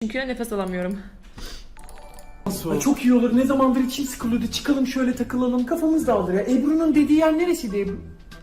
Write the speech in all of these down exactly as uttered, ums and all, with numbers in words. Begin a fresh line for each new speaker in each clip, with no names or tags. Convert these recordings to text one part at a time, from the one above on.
Çünkü nefes alamıyorum.
Ay çok iyi olur. Ne zamandır içim sıkılıyordu. Çıkalım şöyle takılalım. Kafamız dağılır ya. Ebru'nun dediği yer neresiydi Ebru?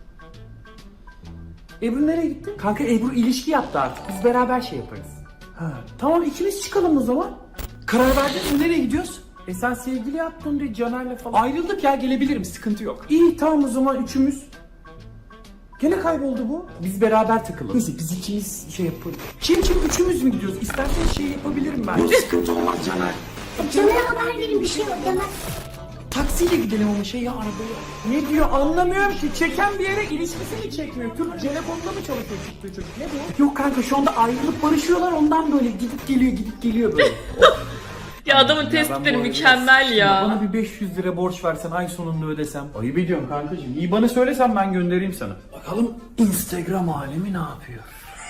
Ebru nereye gitti? Kanka Ebru ilişki yaptı artık. Biz beraber şey yaparız. Ha, tamam ikimiz çıkalım o zaman. Karar verdin mi? Nereye gidiyoruz? E sen sevgili yaptın de Caner'le falan. Ayrıldık ya, gelebilirim, sıkıntı yok. İyi tamam o zaman üçümüz. Gene kayboldu bu. Biz beraber takılalım. Neyse biz ikimiz şey yapalım. Kim kim üçümüz mü gidiyoruz? İstersen şey yapabilirim ben. Hiç sıkıntı olmaz Caner.
Caner'e haber verin, bir şey yok demez.
Taksiyle gidelim ama şey ya, arabaya. Ne diyor anlamıyorum ki. Çeken bir yere ilişkisi mi çekmiyor? Türk telefonda mı çalışıyor çıktığı çocuk? Ne bu? Yok kanka şu anda ayrılıp barışıyorlar, ondan böyle gidip geliyor gidip geliyor böyle.
Ya adamın tespitleri mükemmel ya.
Bana bir beş yüz lira borç versen ay sonunda ödesem. Ayıp ediyorum kankacığım. İyi bana söylesen ben göndereyim sana. Bakalım Instagram alemi ne yapıyor?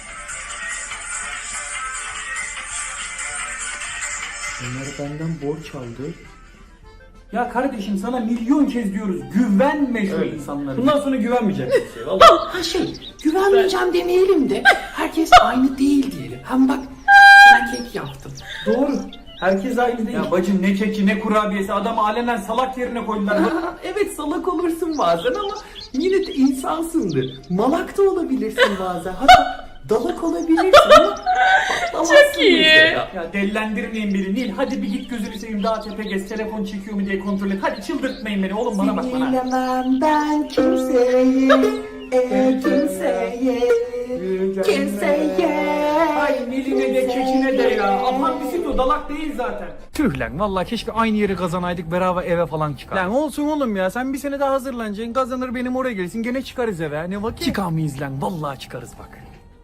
Onlar benden borç aldı. Ya kardeşim sana milyon kez diyoruz, güvenme şu insanlara. Bundan sonra güvenmeyeceksin şey vallahi. Ha şey, güvenmeyeceğim demeyelim de herkes aynı değil diyelim. Hem bak sana kek yaptım. Doğru. Herkes aynı değil. Ya bacım ne keki ne kurabiyesi, adamı alenen salak yerine koydular. Evet salak olursun bazen ama yine de insansındır. Malak da olabilirsin bazen. Hatta dalak olabilirsin ama patlamazsın.
Çok iyi.
Ya. ya delilendirmeyin beni Nil. Hadi bir git gözünü seveyim, daha tepe gez, telefon çekiyor mu diye kontrol et. Hadi çıldırtmayın beni oğlum, bana bak bana.
Sinirlemem ben kimseye, e, kimseye, kimseye.
Ay Nil'ine de kekine de ya. Aman bizim o dalak değil zaten. Tüh lan vallahi keşke aynı yeri kazanaydık, beraber eve falan çıkar. Lan olsun oğlum ya, sen bir sene daha hazırlanacaksın, kazanır benim oraya gelirsin, gene çıkarız eve. Ne vakit? Çıkamayız lan, vallahi çıkarız bak.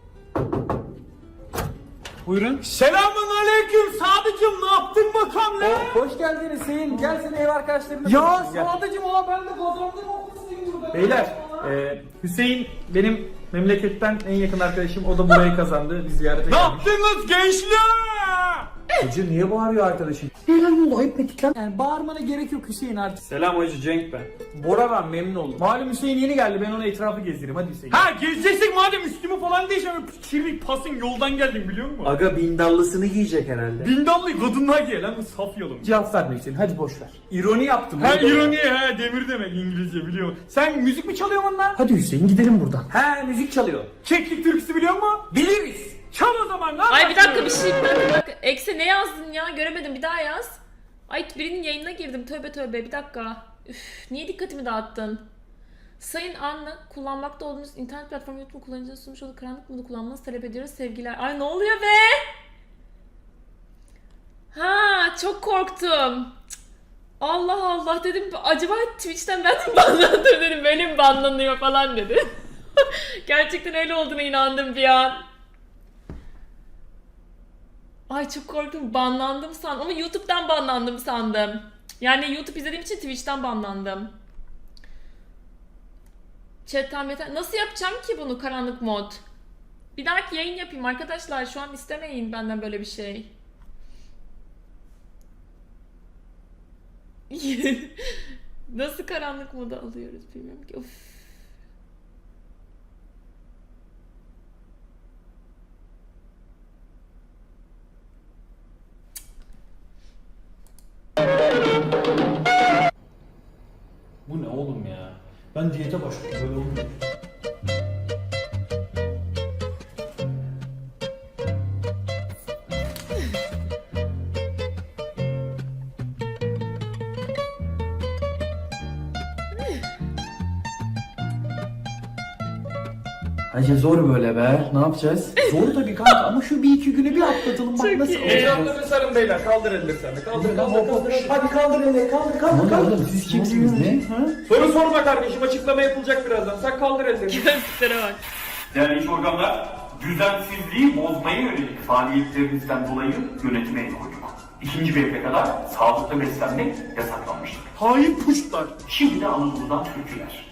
Buyurun. Selamun aleyküm Sadıcım, ne yaptın bakalım lan? Hoş geldin Hüseyin, gel seni ev arkadaşlarına. Ya Sadıcım aa ben de kazandım okulsuyum burada. Beyler e, Hüseyin benim memleketten en yakın arkadaşım, o da burayı kazandı, biz ziyarete geldik. Ne yaptınız gençler? Hacı niye bağırıyor arkadaşım? Ne lan oldu, ayıp ettik lan. Yani bağırmana gerek yok Hüseyin artık. Selam hacı, Cenk ben. Bora ben, memnun oldum. Malum Hüseyin yeni geldi, ben ona etrafı gezdireyim, hadi Hüseyin. Ha gezeceksin madem, üstümü falan değişemem. Kirli pasın yoldan geldim biliyor musun?
Aga bindallısını giyecek herhalde.
Bindallı kadınlar giye lan, bu saf yalım. Cevap verme Hüseyin, hadi boş ver. İroni yaptım. Ha ironi, ha demir demek İngilizce biliyor musun? Sen müzik mi çalıyorsun onunla? Hadi Hüseyin gidelim buradan. He müzik çalıyor. Keklik türküsü biliyor musun? Biliriz. Çal o zaman lan.
Ay bir dakika bir şey bir dakika, bir dakika. Ekse ne yazdın ya? Göremedim, bir daha yaz. Ay birinin yayınına girdim, tövbe tövbe, bir dakika. Üf, niye dikkatimi dağıttın? Sayın Anna, kullanmakta olduğunuz internet platformu YouTube kullanıcının sunmuş olduğu karanlık modu kullanmanızı talep ediyoruz sevgiler. Ay ne oluyor be? Ha çok korktum. Cık. Allah Allah dedim, acaba Twitch'ten ben mi banlandım dedim, böyle mi banlanıyor falan dedi. Gerçekten öyle olduğuna inandım bir an. Ay çok korktum, banlandım sandım ama YouTube'dan banlandım sandım. Yani YouTube izlediğim için Twitch'ten banlandım. Chat'ten yeter. Nasıl yapacağım ki bunu, karanlık mod? Bir dahaki yayın yapayım arkadaşlar, şu an istemeyin benden böyle bir şey. Nasıl karanlık modu alıyoruz bilmiyorum ki. Of.
Bu ne oğlum ya? Ben diyete başladım, böyle olmuyor.
Hacı zor böyle be. Ne yapacağız?
Zor tabii kanka ama şu bir iki günü bir atlatalım, bak
Çok
nasıl
iyi.
olacak.
Etraflarını sarın beyler, kaldır elleri sen de. Kaldır, kaldır, kaldır.
Hadi kaldır elleri, kaldır kaldır kaldır.
oğlum, siz kimsiniz, ne?
Ha?
Soru sorma kardeşim, açıklama yapılacak birazdan. Sen kaldır ellerini.
Gözlüklere bak.
Değerli iş organlar, düzensizliği bozmaya yönelik faaliyetlerinizden dolayı yönetime el koyduk. İkinci bir eve kadar sağlıklı beslenmek yasaklanmıştır.
Hain puşlar.
Şimdi de Anadolu'dan türküler.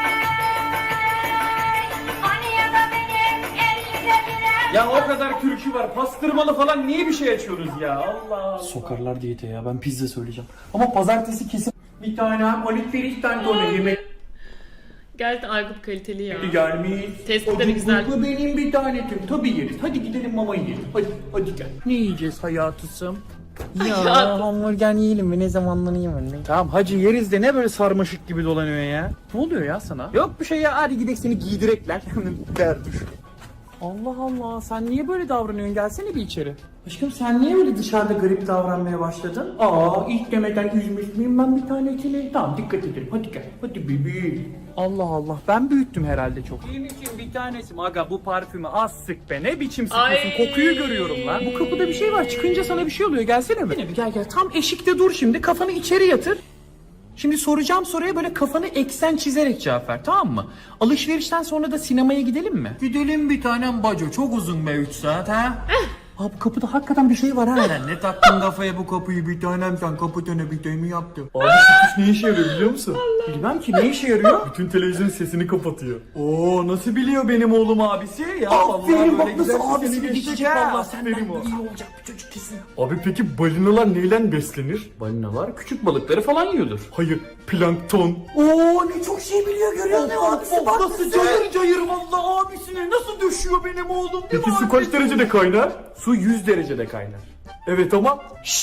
Ya o kadar türkü var, pastırmalı falan, niye bir şey açıyoruz ya? Allah Allah. Sokarlar diyete ya, ben pizza söyleyeceğim. Ama pazartesi kesin bir tane hem Halit Ferit tane de yemek.
Gerçekten Aykut kaliteli ya.
Gelmiş.
Tespitleri güzel.
Bu benim bir tanetim. Tabii yeriz. Hadi gidelim mama yiyelim. Hadi, hadi gel. Ne yiyeceğiz hayatısım? Ya
Hayatım.
hamburger yiyelim mi? Ne zamanlarını yemedim. Tamam hacı yeriz de ne böyle sarmaşık gibi dolanıyor ya? Ne oluyor ya sana? Yok bir şey ya. Hadi gidelim seni giydirekler. Dermiş. Allah Allah sen niye böyle davranıyorsun? Gelsene bir içeri. Aşkım sen niye böyle dışarıda garip davranmaya başladın? Aa ilk demeden üzmüş müyüm ben bir tanesini? Tamam dikkat edelim. Hadi gel. Hadi bebeğim. Allah Allah ben büyüttüm herhalde çok. Benim için bir tanesi aga bu parfümü az sık be. Ne biçim sıkıyorsun?
Ay.
Kokuyu görüyorum lan. Bu kapıda bir şey var. Çıkınca sana bir şey oluyor. Gelsene mi? Yine bir gel gel. Tam eşikte dur şimdi. Kafanı içeri yatır. Şimdi soracağım soruya böyle kafanı eksen çizerek cevap ver, tamam mı? Alışverişten sonra da sinemaya gidelim mi? Gidelim bir tanem baco. Çok uzun be üç saat ha. Abi kapıda hakikaten bir şey var ha. Sen ne taktın kafaya bu kapıyı bir tanem, sen kapatana bir tane mi yaptın? Abi sütüş ne işe yarıyor biliyor musun? Bilmem ki ne işe yarıyor? Bütün televizyon sesini kapatıyor. Oo nasıl biliyor benim oğlum abisi? Ya aferin bak nasıl abisini geçecek valla senden iyi olacak bir çocuk kesin. Abi peki balinalar neyle beslenir? Balinalar küçük balıkları falan yiyordur. Hayır plankton. Oo ne çok şey biliyor görüyor musun abisi bak. Nasıl cayır cayır valla abisine nasıl düşüyor benim oğlum. Peki su kaç derecede kaynar? Su yüz derecede kaynar. Evet ama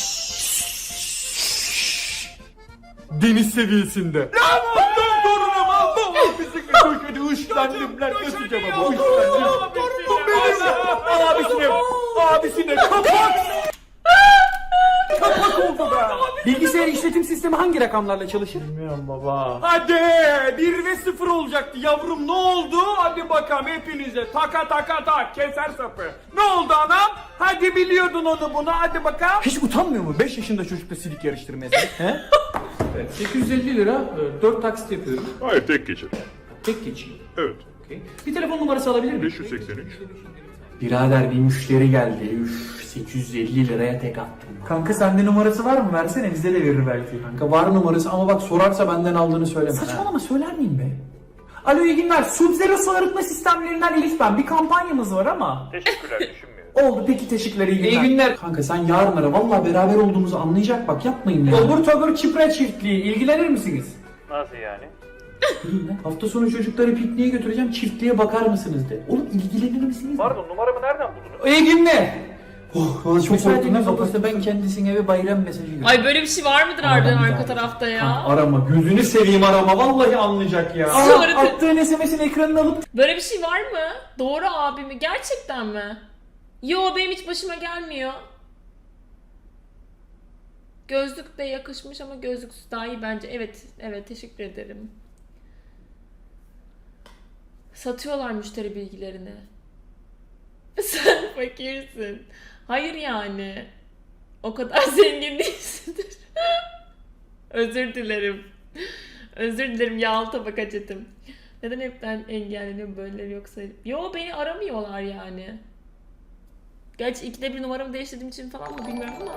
deniz seviyesinde. Lan ondan torunum aldım. Bizi köşede ışlandım lan nasıl cevabı ışlandım. Torunum benim. Abisine abisine kapak. Kapak oldu be. Bilgisayar işletim sistemi hangi rakamlarla çalışır? Bilmiyorum baba. Hadi bir ve sıfır olacaktı yavrum ne oldu? Hadi bakalım hepinize taka taka tak keser sapı. Ne oldu anam? Hadi biliyordun onu bunu hadi bakalım. Hiç utanmıyor mu beş yaşında çocukla silik yarıştırmaya? He? Evet, sekiz yüz elli lira dört taksit yapıyorum.
Hayır tek geçir.
Tek geçeyim.
Evet.
Okay. Bir telefon numarası alabilir miyim?
beş yüz seksen üç.
Birader bir müşteri geldi. Üf sekiz yüz elli liraya tek attım. Kanka sende numarası var mı? Versene bize de verir belki. Kanka var numarası ama bak sorarsa benden aldığını söyleme. Saçmalama söyler miyim be? Alo iyi günler. Sub-Zero su arıtma sistemlerinden Elif ben. Bir kampanyamız var ama.
Teşekkürler düşünmüyorum.
Oldu peki teşekkürler iyi günler. İyi günler. Kanka sen yarın ara valla beraber olduğumuzu anlayacak bak yapmayın ya. Obur tobur çipre çiftliği ilgilenir misiniz?
Nasıl yani?
Hafta sonu çocukları pikniğe götüreceğim çiftliğe bakar mısınız de. Oğlum ilgilenir misiniz?
Pardon numaramı nereden buldunuz?
İyi günler. Oh, valla çok korktum. Ne kapısı ben kendisine bir bayram mesajı gönderiyorum.
Ay böyle bir şey var mıdır harbiden arka tarafta ya?
Arama gözünü seveyim arama vallahi anlayacak ya.
Sonra-
Aa, attığın S M S'in ekranını alıp
Böyle bir şey var mı? Doğru abi mi? Gerçekten mi? Yo benim hiç başıma gelmiyor. Gözlük de yakışmış ama gözlüksüz daha iyi bence. Evet, evet teşekkür ederim. Satıyorlar müşteri bilgilerini. Sen fakirsin. Hayır yani. O kadar zengin değilsindir. Özür dilerim. Özür dilerim yağlı tabak acetim. Neden hepten engelleniyor böyle yoksa? Yo beni aramıyorlar yani. Gerçi ikide bir numaramı değiştirdiğim için falan mı bilmiyorum ama.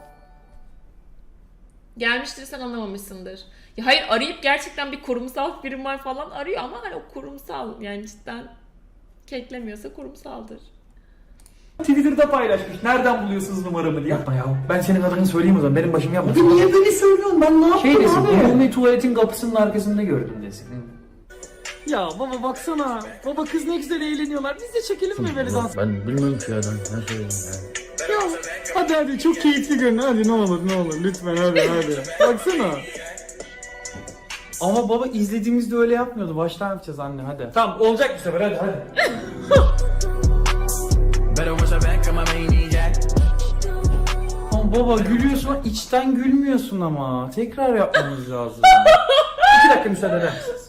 Gelmiştir sen anlamamışsındır. Ya hayır arayıp gerçekten bir kurumsal firma falan arıyor ama hani o kurumsal yani cidden keklemiyorsa kurumsaldır.
Twitter'da paylaşmış. Nereden buluyorsunuz numaramı diye. Yapma ya. Ben senin adını söyleyeyim o zaman. Benim başım yapma. Abi niye beni söylüyorsun? Ben ne yaptım şey desin, abi? Umumi tuvaletin kapısının arkasında gördüm desin. Ya baba baksana. Baba kız ne güzel eğleniyorlar. Biz de çekelim mi böyle dans?
Ben bilmiyorum ki ya ben ne söyleyeyim yani.
Ya hadi hadi çok keyifli görün. Hadi ne olur ne olur. Lütfen hadi hadi. Baksana. Ama baba izlediğimizde öyle yapmıyordu. Baştan yapacağız anne hadi. Tamam olacak bu sefer hadi hadi. Ama baba gülüyorsun içten gülmüyorsun ama. Tekrar yapmamız lazım. İki dakika müsaade eder misiniz?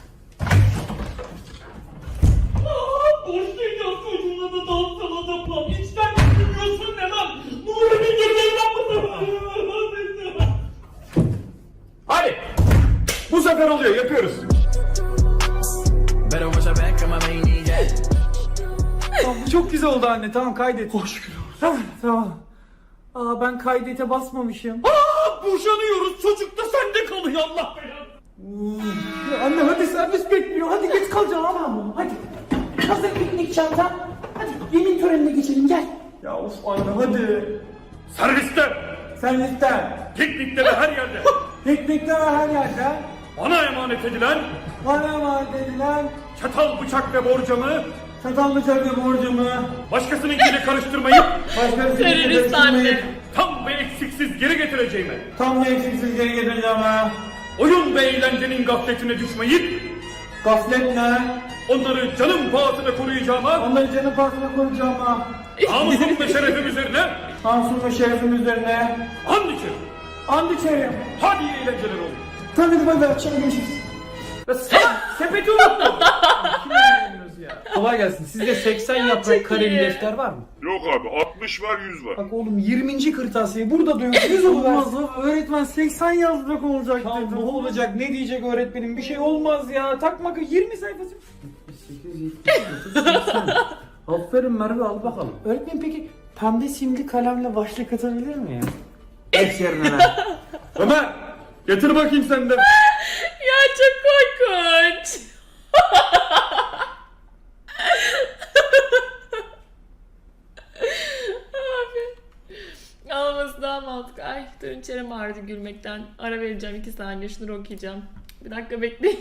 Hadi. Bu sefer oluyor yapıyoruz. Tamam, bu çok güzel oldu anne tamam kaydet. Hoş şükür. Tamam tamam. Aa ben kaydete basmamışım. Aa boşanıyoruz çocuk da sende kalıyor Allah belanı. Anne hadi servis bekliyor hadi geç kalacaksın ama hadi.
Hazır piknik çantam. Hadi yemin törenine geçelim gel.
Ya of anne hadi.
Serviste!
Sen lütfen.
Piknikte ve her yerde!
Piknikte ve her yerde.
Bana emanet edilen
Bana emanet edilen
çatal, bıçak ve borcamı
çatal bıçak ve borcumu
başkasınınkiyle karıştırmayıp
başka
Terörist anne.
tam ve eksiksiz geri getireceğime,
tam ve eksiksiz geri getireceğim ha.
oyun ve eğlencenin gafletine düşmeyip
Gaflet ne?
onları canım pahasına koruyacağıma,
Onları canı pahasına koruyacağım ha.
namusum ve şerefim üzerine
Namusum ve şerefim üzerine.
and içerim.
And içerim.
Hadi iyi eğlenceler olsun.
Tabii bay bay. Akşam görüşürüz.
Ya sen sepeti unuttun. Kimle ilgileniyoruz ya? Kolay gelsin. Sizde seksen
çok
yaprak kareli
iyi.
defter var mı?
Yok abi altmış var yüz var.
Bak oğlum yirminci kırtasiye burada diyor. yüz olmaz.
Öğretmen seksen yazmak olacak
Ya
dedi.
ne olacak? Ne diyecek öğretmenim? Bir şey olmaz ya. Takma yirmi sayfası.
Aferin Merve, al bakalım.
Öğretmen peki pembe simli kalemle başlık atabilir miyim?
Geç yerine lan.
Ömer, getir bakayım sen de.
Ya çok korkunç. Abi. Ağlaması daha mantıklı. Ay durun çenem ağrıdı gülmekten. Ara vereceğim iki saniye şunları okuyacağım. Bir dakika bekleyin.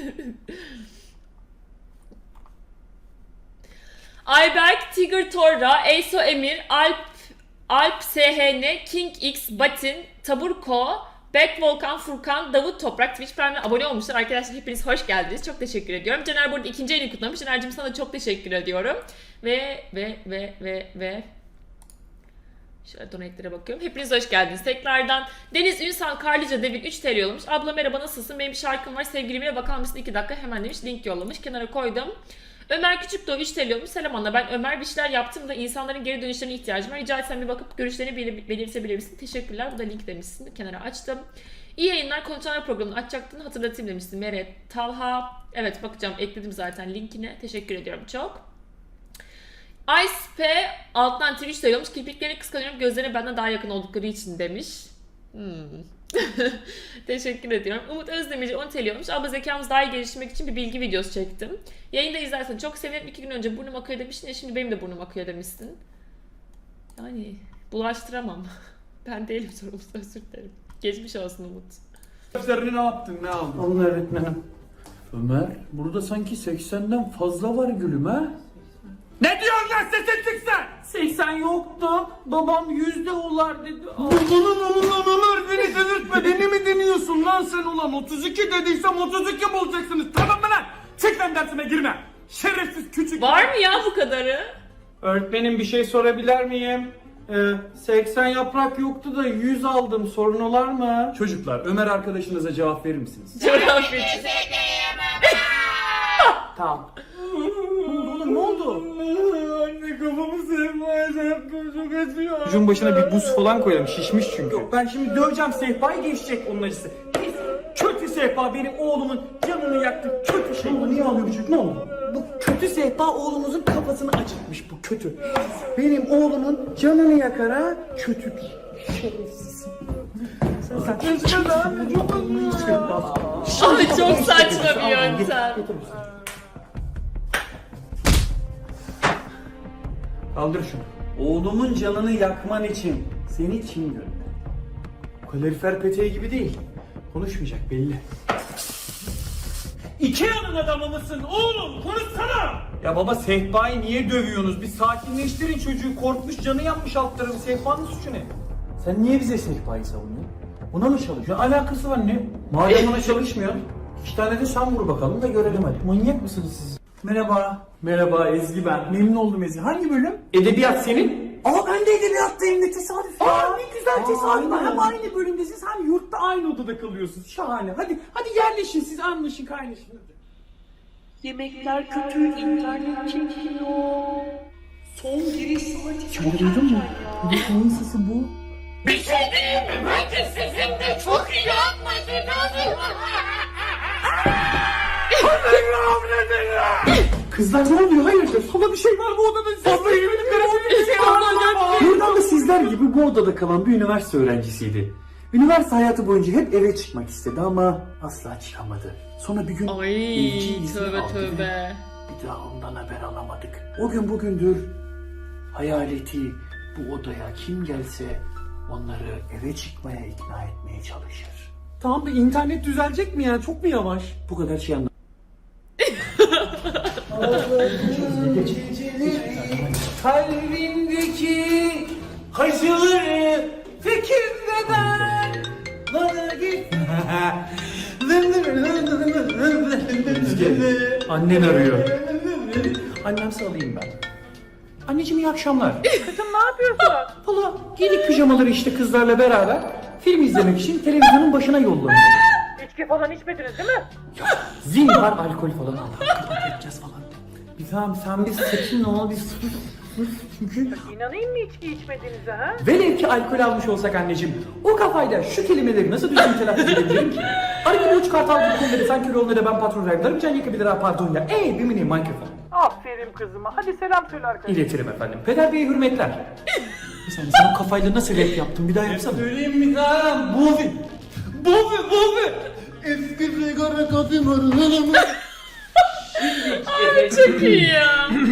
Ayberk, Tiger Torra, Eyso Emir, Alp, Alp S H N, King X, Batin, Taburko, Back Volkan, Furkan, Davut Toprak Twitch Prime'e abone olmuşlar. Arkadaşlar hepiniz hoş geldiniz. Çok teşekkür ediyorum. Caner burada ikinci ayını kutlamış. Caner'cim sana da çok teşekkür ediyorum. Ve ve ve ve ve şöyle donate'lere bakıyorum. Hepiniz hoş geldiniz. Tekrardan Deniz Ünsal Karlıca Devin üç T L yollamış. Abla merhaba nasılsın? Benim bir şarkım var. Sevgilime bakar mısın? iki dakika hemen demiş. Link yollamış. Kenara koydum. Ömer Küçükdoğu üç T L yollamış. Selam Anna. Ben Ömer bir şeyler yaptım da insanların geri dönüşlerine ihtiyacım var. Rica etsem bir bakıp görüşlerini belir- belirtebilir misin? Teşekkürler. Bu da link demişsin. Kenara açtım. İyi yayınlar. Konuşanlar programını açacaktın. Hatırlatayım demişsin. Meret, Talha. Evet bakacağım. Ekledim zaten linkine. Teşekkür ediyorum çok. Ice P alttan Twitch'te yollamış. Kirpiklerini kıskanıyorum. Gözlerine benden daha yakın oldukları için demiş. Hmm. Teşekkür ediyorum. Umut Özdemirci on T L olmuş. Abla zekamız daha iyi geliştirmek için bir bilgi videosu çektim. Yayında izlersen çok sevinirim. İki gün önce burnum akıyor demiştin ya şimdi benim de burnum akıyor demişsin. Yani bulaştıramam. Ben değilim sorumlusu, özür dilerim. Geçmiş olsun Umut.
Defterini ne yaptın? Ne aldın?
Alın öğretmenim.
Ömer, burada sanki seksenden fazla var gülüm ha?
Ne diyorsun lan sesin çıksın?
seksen yoktu. Babam yüzde olar dedi.
Ulan ulan Ömer beni delirtme. Beni mi deniyorsun lan sen ulan? otuz iki dediysem otuz iki bulacaksınız. Tamam mı lan? Çık lan dersime girme. Şerefsiz küçük.
Var mı ya bu kadarı?
Öğretmenim bir şey sorabilir miyim? Ee, seksen yaprak yoktu da yüz aldım. Sorun olar mı?
Çocuklar Ömer arkadaşınıza cevap verir misiniz?
Coğrafyacı.
Tamam. Ne oldu oğlum ne oldu?
Anne kafamı sevmeye yaptım çok acıyor.
Vücudun başına bir buz falan koyalım şişmiş çünkü. Yok ben şimdi döveceğim sehpayı geçecek onun acısı. Kötü sehpa benim oğlumun canını yaktı kötü şey. Ne niye ağlıyor bu çocuk ne oldu? Bu kötü sehpa oğlumuzun kafasını acıtmış bu kötü. Benim oğlumun canını yakar ha kötü bir şerefsiz. Sen sen
Abi çok saçma bir yöntem.
Kaldır şunu.
Oğlumun canını yakman için seni kim gönderdi?
Kalorifer peteği gibi değil. Konuşmayacak belli.
İkea'nın adamı mısın oğlum? Konuşsana.
Ya baba sehpayı niye dövüyorsunuz? Bir sakinleştirin çocuğu. Korkmuş canı yanmış alt tarafı. Sehpanın suçu ne?
Sen niye bize sehpayı savunuyorsun? Buna mı çalışıyorsun?
Ne alakası var ne?
Madem ona çalışmıyorsun, iki tane de sen vur bakalım da görelim hadi.
Manyak mısınız siz?
Merhaba.
Merhaba Ezgi ben.
Memnun oldum Ezgi. Hangi bölüm?
Edebiyat senin?
Aa ben de edebiyattayım, ne tesadüf ya.
Aa ne güzel tesadüf.
aynen.
Hem aynı bölümdesiniz hem yurtta aynı odada kalıyorsunuz. Şahane. Hadi hadi yerleşin siz anlaşın kaynaşın.
Yemekler kötü, internet çekiyor. Son giriş saati çok
Duydun mu?
erken ya.
Neyin sesi bu?
Kızlar ne oluyor? Hayırdır? Sola bir şey var bu odada. Vallahi benim telefonumda bir şey var.
Buradan da sizler gibi bu odada kalan bir üniversite öğrencisiydi. Üniversite hayatı boyunca hep eve çıkmak istedi ama asla çıkamadı. Sonra bir gün
Ay
ilgi izni
tövbe
aldı ve
tövbe.
bir daha ondan haber alamadık. O gün bugündür hayaleti bu odaya kim gelse onları eve çıkmaya ikna etmeye çalışır.
Tamam da internet düzelecek mi ya? Çok mu yavaş?
Bu kadar şey anlamadım.
Kalbimdeki acıları fikirden bana git.
Annen arıyor. Annemse alayım ben. Anneciğim iyi akşamlar.
Kızım ne yapıyorsun?
Valla giydik pijamaları işte kızlarla beraber film izlemek için televizyonun başına yollanıyor.
İçki falan içmediniz değil mi?
Zinhar alkol falan al. Kapat yapacağız falan. Bir tamam sen bir sakin ol bir sus. sus. Çünkü
İnanayım mı içki içmediğinize ha?
velev ki alkol almış olsak anneciğim o kafayla şu kelimeleri nasıl düzgün telaffuz edebilirim ki? Arada uç kartal gibi konuları sanki rolleri ben patron vergilerim can yakabilir ha pardon ya. Ey bir mini mikrofon.
Aferin kızıma. Hadi selam söyle arkadaşlar.
İletirim efendim. Peder Bey'e hürmetler. Bir saniye sen o kafayla nasıl rap yaptın bir daha yapsana.
Söyleyeyim mi daha? Bobi. Bobi bobi. Eski sigara kafim var.
Çok iyi ya.